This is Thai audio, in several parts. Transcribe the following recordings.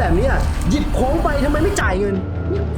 แบบนี้หยิบของไปทำไมไม่จ่ายเงินนี่คุณ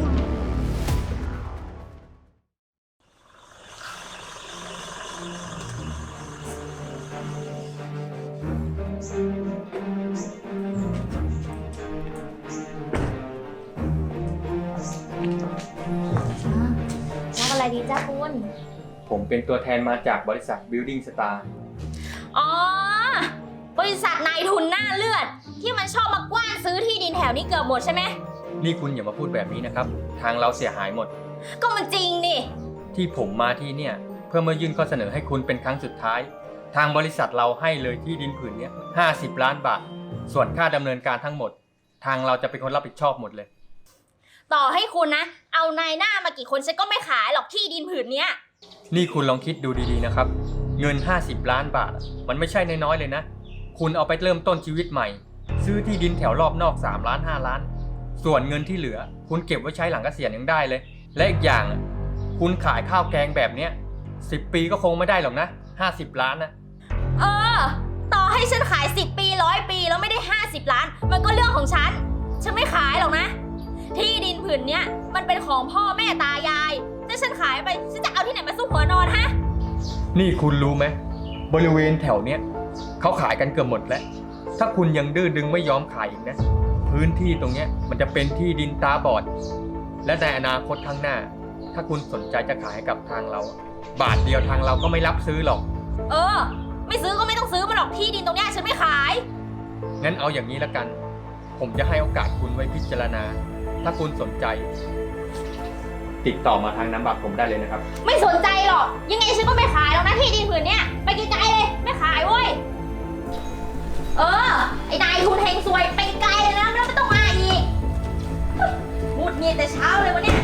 รับอะไรดีจ้าคุณผมเป็นตัวแทนมาจากบริษัท Building Star อ๋อ บริษัทนายทุนหน้าเลือด ที่มันชอบมากว้านซื้อที่ดินแถวนี้เกือบหมดใช่ไหมนี่คุณอย่ามาพูดแบบนี้นะครับ ทางเราเสียหายหมดก็มันจริงนี่ที่ผมมาที่เนี่ยเพื่อมายื่นข้อเสนอให้คุณเป็นครั้งสุดท้าย ทางบริษัทเราให้เลยที่ดินผืนนี้50 ล้านบาท ส่วนค่าดำเนินการทั้งหมด ทางเราจะเป็นคนรับผิดชอบหมดเลยต่อให้คุณนะ เอานายหน้ามากี่คนฉันก็ไม่ขายหรอกที่ดินผืนเนี้ยนี่คุณลองคิดดูดีๆนะครับ เงิน50 ล้านบาทมันไม่ใช่น้อยๆเลยนะ คุณเอาไปเริ่มต้นชีวิตใหม่ ซื้อที่ดินแถวรอบนอก3 ล้าน5 ล้าน ส่วนเงินที่เหลือ คุณเก็บไว้ใช้หลังเกษียณยังได้เลย และอีกอย่างคุณขายข้าวแกงแบบเนี้ย10 ปีก็คงไม่ได้หรอกนะ50 ล้านนะเออ ต่อให้ฉันขาย10 ปี100 ปีแล้วไม่ได้50 ล้าน มันก็เรื่องของฉัน ฉันไม่ขายหรอกนะ ที่ดินผืนเนี้ยมันเป็นของพ่อแม่ตายายถ้าฉันขายไปฉันจะเอาที่ไหนมาซุกหัวนอนฮะนี่คุณรู้ไหมบริเวณแถวเนี้ยเขาขายกันเกือบหมดแล้ว ถ้าคุณยังดื้อดึงไม่ยอมขายอีกนะ พื้นที่ตรงเนี้ยมันจะเป็นที่ดินตาบอด และในอนาคตข้างหน้า ถ้าคุณสนใจจะขายให้กับทางเรา บาทเดียวทางเราก็ไม่รับซื้อหรอกเออ ไม่ซื้อก็ไม่ต้องซื้อมาหรอกที่ดินตรงเนี้ยฉันไม่ขายงั้นเอาอย่างนี้ละกัน ผมจะให้โอกาสคุณไว้พิจารณา ถ้าคุณสนใจ ติดต่อมาทางน้ำบัตรผมได้เลยนะครับไม่สนใจหรอก ยังไงฉันก็ไม่ขายหรอกนะที่ดินผืนเนี้ยไปไกลๆเลยไม่ขายเว้ย เออ ไอ้นายทุนเฮงซวยไปไกลเลยนะแล้วไม่ต้องมาอีกหงุดหงิดแต่เช้าเลยวันเนี้ย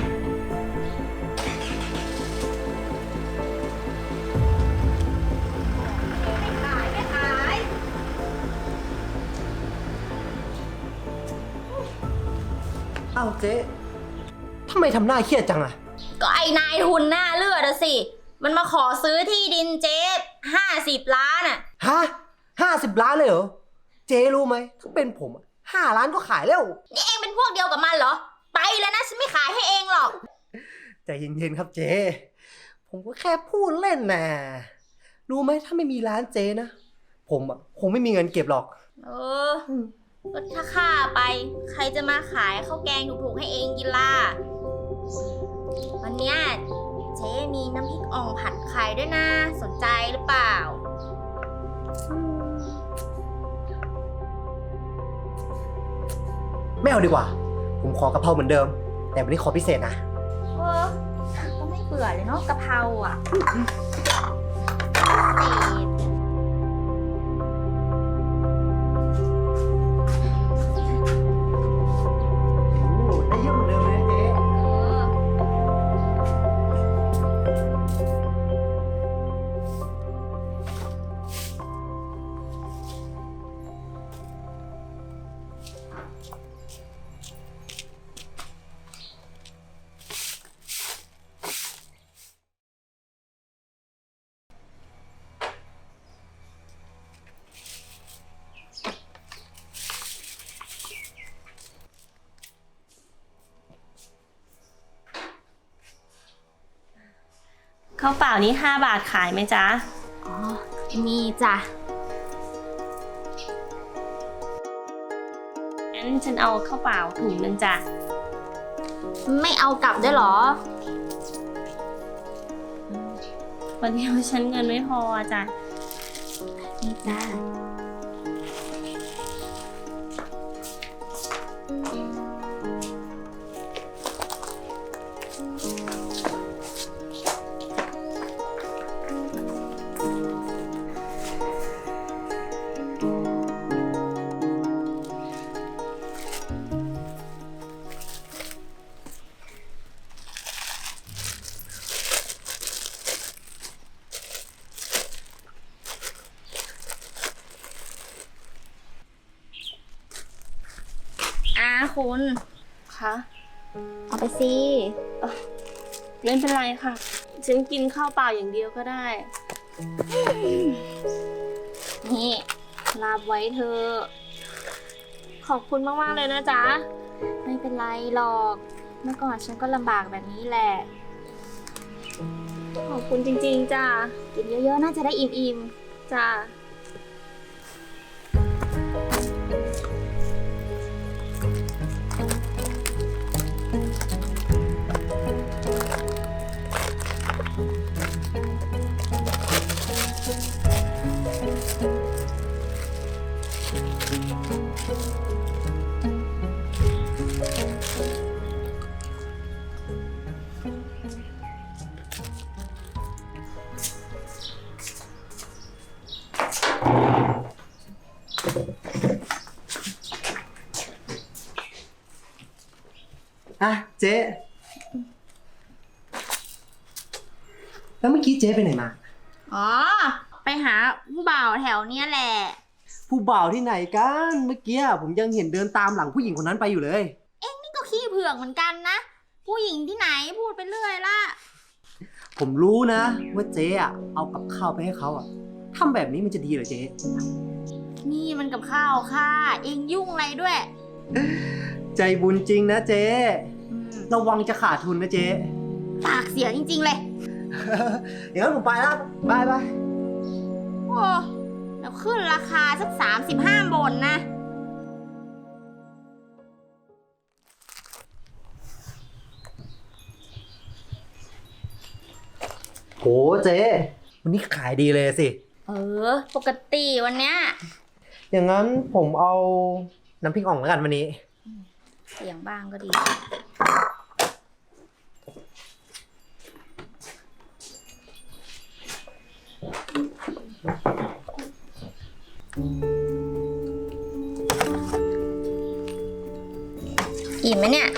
ไม่ขายอ้าวเจ๊ทำไมทำหน้าเครียดจังก็ไอ้นายทุนหน้าเลือดอะสิ มันมาขอซื้อที่ดินเจ๊50 ล้านอะฮะ50 ล้านเลยเหรอ เจ๊รู้ไหมถ้าเป็นผม5 ล้านก็ขายแล้วนี่เองเป็นพวกเดียวกับมันเหรอ ไปแล้วนะฉันไม่ขายให้เองหรอกใจเย็นๆครับเจ๊ผมก็แค่พูดเล่นนะรู้ไหมถ้าไม่มีร้านเจ๊นะผมคงไม่มีเงินเก็บหรอกเออก็ถ้าข้าไป ใครจะมาขายข้าวแกงถูกๆให้เองกินล่ะ วันเนี้ยเจ๊มีน้ำพริกอ่องผัดไข่ด้วยนะ สนใจหรือเปล่าไม่เอาดีกว่า ผมขอกะเพราเหมือนเดิม แต่วันนี้ขอพิเศษนะเออ ก็ไม่เบื่อเลยเนาะกะเพราอ่ะได้เยอะเหมือนเดิมเลยเจ๊ข้าวเปล่านี้5 บาทขายไหมจ๊ะอ๋อ มีจ้ะงั้นฉันเอาข้าวเปล่าถุงนึงจ้ะไม่เอากลับด้วยเหรอวันนี้ฉันเงินไม่พอจ้ะนี่จ้าคุณคะเอาไปสิไม่เป็นไรค่ะ ฉันกินข้าวเปล่าอย่างเดียวก็ได้นี่รับไว้เธอะขอบคุณมากๆเลยนะจ๊ะไม่เป็นไรหรอก เมื่อก่อนฉันก็ลำบากแบบนี้แหละขอบคุณจริงๆจ้ะกินเยอะๆน่าจะได้อิ่มจ้ะอ่ะเจ๊แล้วเมื่อกี้เจ๊ไปไหนมาๆ อ๋อ ไปหาผู้บ่าวแถวเนี้ยแหละผู้บ่าวที่ไหนกัน เมื่อกี้ผมยังเห็นเดินตามหลังผู้หญิงคนนั้นไปอยู่เลยนี่ก็ขี้เผือกเหมือนกันนะ ผู้หญิงที่ไหนพูดไปเรื่อยล่ะผมรู้นะว่าเจ๊อะเอากับข้าวไปให้เขาอะทำแบบนี้มันจะดีเหรอเจ๊นี่มันกับข้าวค่ะ เองยุ่งอะไรด้วยใจบุญจริงนะเจ๊อืมระวังจะขาดทุนนะเจ๊ปากเสียจริงๆเลยอย่างนั้นผมไปแล้วบายบายโอ้แล้วขึ้นราคาสัก35 บนนะโหเจ๊วันนี้ขายดีเลยสิปกติวันเนี้ยอย่างนั้นผมเอาน้ำพริกอ่องแล้วกันวันนี้เสียงบ้างก็ดี อิ่มไหมเนี่ย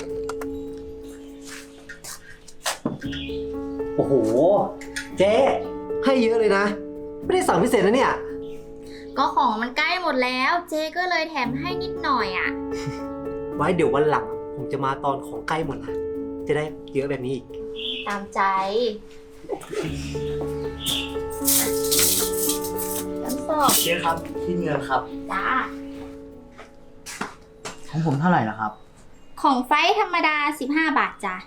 โอ้โห เจ๊ให้เยอะเลยนะ ไม่ได้สั่งพิเศษนะเนี่ยก็ของมันใกล้หมดแล้ว เจ๊ก็เลยแถมให้นิดหน่อยอ่ะไว้เดี๋ยววันหลัง ผมจะมาตอนของใกล้หมดนะ จะได้เยอะแบบนี้อีกตามใจน้ำสอบเจ๊ครับที่เงินครับจ้าของผมเท่าไหร่ล่ะครับของไฟธรรมดา 15 บาทจ้ะ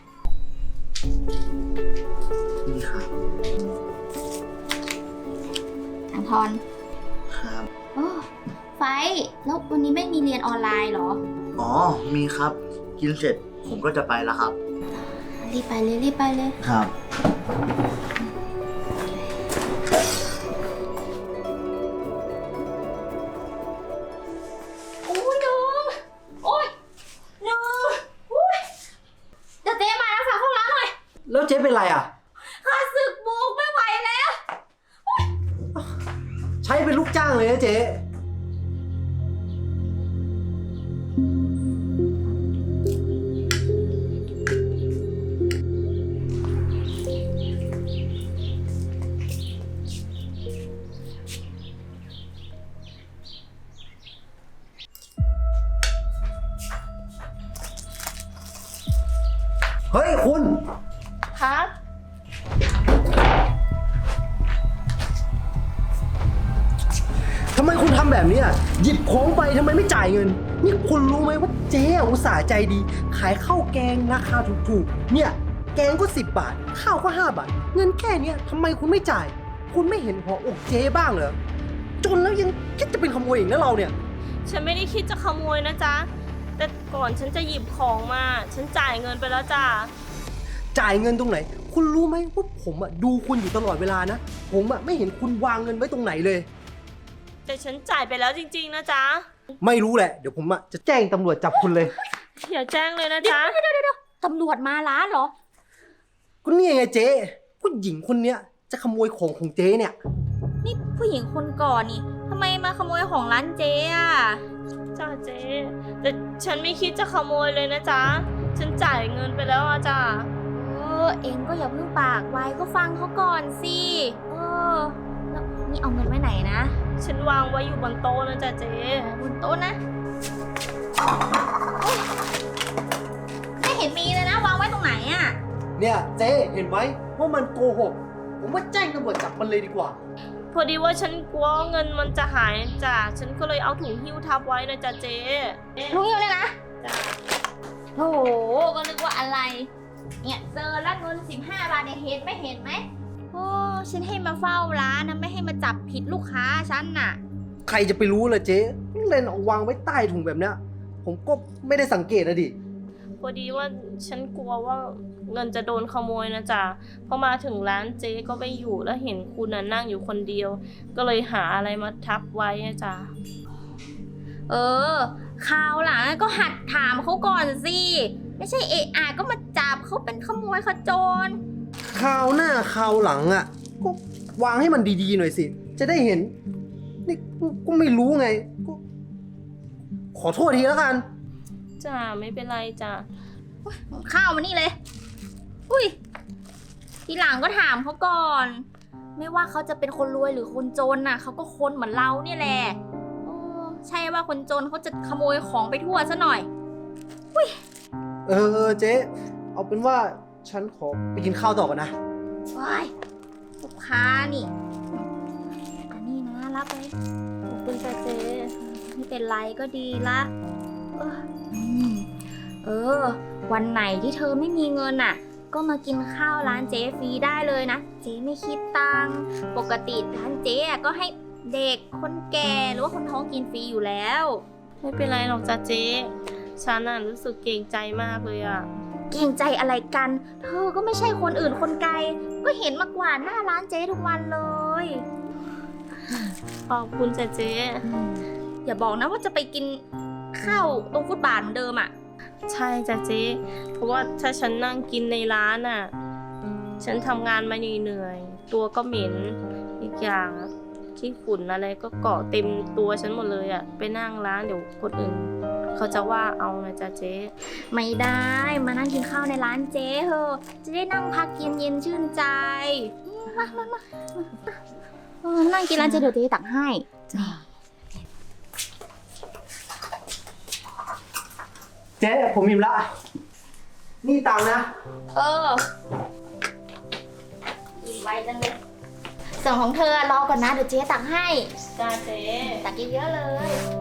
นี่ครับอังทอนครับโอ้ไฟแล้ววันนี้ไม่มีเรียนออนไลน์เหรออ๋อมีครับกินเสร็จผมก็จะไปแล้วครับรีบไปเลยรีบไปเลยครับโอ้ยน้องโอ้ยน้องโอ้ยเดี๋ยวเจ๊มาแล้วฝากเข้าร้านหน่อยแล้วเจ๊เป็นไรอ่ะข้าศึกบุกไม่ไหวแล้วใช้เป็นลูกจ้างเลยนะเจ๊ เฮ้ยคุณครับทำไมคุณทำแบบนี้อ่ะหยิบของไปทำไมไม่จ่ายเงิน นี่คุณรู้ไหมว่าเจ๊อุตส่าห์ใจดี ขายข้าวแกงราคาถูกๆ เนี่ย แกงก็10 บาท ข้าวก็5 บาท เงินแค่เนี้ยทำไมคุณไม่จ่าย คุณไม่เห็นหัวอกเจ๊บ้างเหรอ จนแล้วยังคิดจะเป็นขโมยอีกนะเราเนี่ยฉันไม่ได้คิดจะขโมยนะจ๊ะ แต่ก่อนฉันจะหยิบของมา ฉันจ่ายเงินไปแล้วจ้ะจ่ายเงินตรงไหน คุณรู้ไหมว่าผมอ่ะดูคุณอยู่ตลอดเวลานะ ผมอ่ะไม่เห็นคุณวางเงินไว้ตรงไหนเลยแต่ฉันจ่ายไปแล้วจริงๆนะจ๊ะไม่รู้แหละ เดี๋ยวผมอ่ะจะแจ้งตำรวจจับคุณเลยอย่าแจ้งเลยนะจ๊ะตำรวจมาร้านเหรอก็นี่ไงเจ๊ผู้หญิงคนเนี้ยจะขโมยของของเจ๊เนี่ยนี่ผู้หญิงคนก่อนนี่ทำไมมาขโมยของร้านเจ๊อะจ้าเจ๊ แต่ฉันไม่คิดจะขโมยเลยนะจ๊ะ ฉันจ่ายเงินไปแล้วอะจ้ะเองก็อย่าเพิ่งปากไวก็ฟังเขาก่อนสิแล้วนี่เอาเงินไว้ไหนนะฉันวางไว้อยู่บนโต๊ะนะจ๊ะเจ๊บนโต๊ะนะโอ๊ยไม่เห็นมีเลยนะ วางไว้ตรงไหนอะเนี่ยเจ๊เห็นไหมว่ามันโกหก ผมว่าแจ้งตำรวจจับมันเลยดีกว่าโพอดีว่าฉันกลัวเงินมันจะหายจ้ะฉันก็เลยเอาถุงหิ้วทับไว้นะจ๊ะเจ๊ลุงหิวเลยนะจ้ะโอ้โห ก็นึกว่าอะไร เนี่ยเจอแล้วเงิน15 บาทเนี่ยเห็นไหม โอ้ ฉันให้มาเฝ้าร้านนะไม่ให้มาจับผิดลูกค้าฉันน่ะใครจะไปรู้ล่ะเจ๊เล่นเอาวางไว้ใต้ถุงแบบเนี้ย ผมก็ไม่ได้สังเกตนะดิพอดีว่าฉันกลัวว่าเงินจะโดนขโมยนะจ๊ะพอมาถึงร้านเจ๊ก็ไม่อยู่แล้วเห็นคุณน่ะนั่งอยู่คนเดียว ก็เลยหาอะไรมาทับไว้นะจ๊ะเออคราวหลังก็หัดถามเขาก่อนสิ ไม่ใช่เอะอะก็มาจับเขาเป็นขโมยขโจรคราวหน้าคราวหลังอ่ะ ก็วางให้มันดีๆหน่อยสิ จะได้เห็น นี่ก็ไม่รู้ไงก็ขอโทษทีแล้วกันจ้ะไม่เป็นไรจ้ะข้าวมานี่เลย อุ้ย ทีหลังก็ถามเขาก่อน ไม่ว่าเขาจะเป็นคนรวยหรือคนจนน่ะเขาก็คนเหมือนเราเนี่ยแหละโอ้ใช่ว่าคนจนเขาจะขโมยของไปทั่วซะหน่อยเออเจ๊ เอาเป็นว่าฉันขอไปกินข้าวต่อก่อนนะว้ายลูกค้านี่ อันนี้นะรับไปขอบคุณจ้ะเจ๊ไม่เป็นไรก็ดีละเออเออ วันไหนที่เธอไม่มีเงินอ่ะ ก็มากินข้าวร้านเจ๊ฟรีได้เลยนะ เจ๊ไม่คิดตังค์ปกติร้านเจ๊อะก็ให้เด็กคนแก่หรือว่าคนท้องกินฟรีอยู่แล้วไม่เป็นไรหรอกจ้ะเจ๊ฉันน่ะรู้สึกเกรงใจมากเลยอ่ะเกรงใจอะไรกัน เธอก็ไม่ใช่คนอื่นคนไกล ก็เห็นมากวาดหน้าร้านเจ๊ทุกวันเลยขอบคุณจ้ะเจ๊อย่าบอกนะว่าจะไปกินข้าวตรงฟุตบาทเหมือนเดิมอ่ะใช่จ้ะเจ๊เพราะว่าถ้าฉันนั่งกินในร้านอ่ะ ฉันทำงานมาเหนื่อยๆตัวก็เหม็นอีกอย่างอะที่ฝุ่นอะไรก็เกาะเต็มตัวฉันหมดเลยอ่ะ ไปนั่งร้านเดี๋ยวคนอื่น เขาจะว่าเอานะจ๊ะเจ๊ไม่ได้มานั่งกินข้าวในร้านเจ๊เถอะจะได้นั่งพักเย็นๆชื่นใจมานั่งกินร้านเจ๊เดี๋ยวเจ๊ตักให้เจ๊ผมอิ่มละ นี่ตังค์นะเออกินไวจังเลยส่วนของเธอรอก่อนนะเดี๋ยวเจ๊ตักให้จ้าเจ๊ตักเยอะๆเลย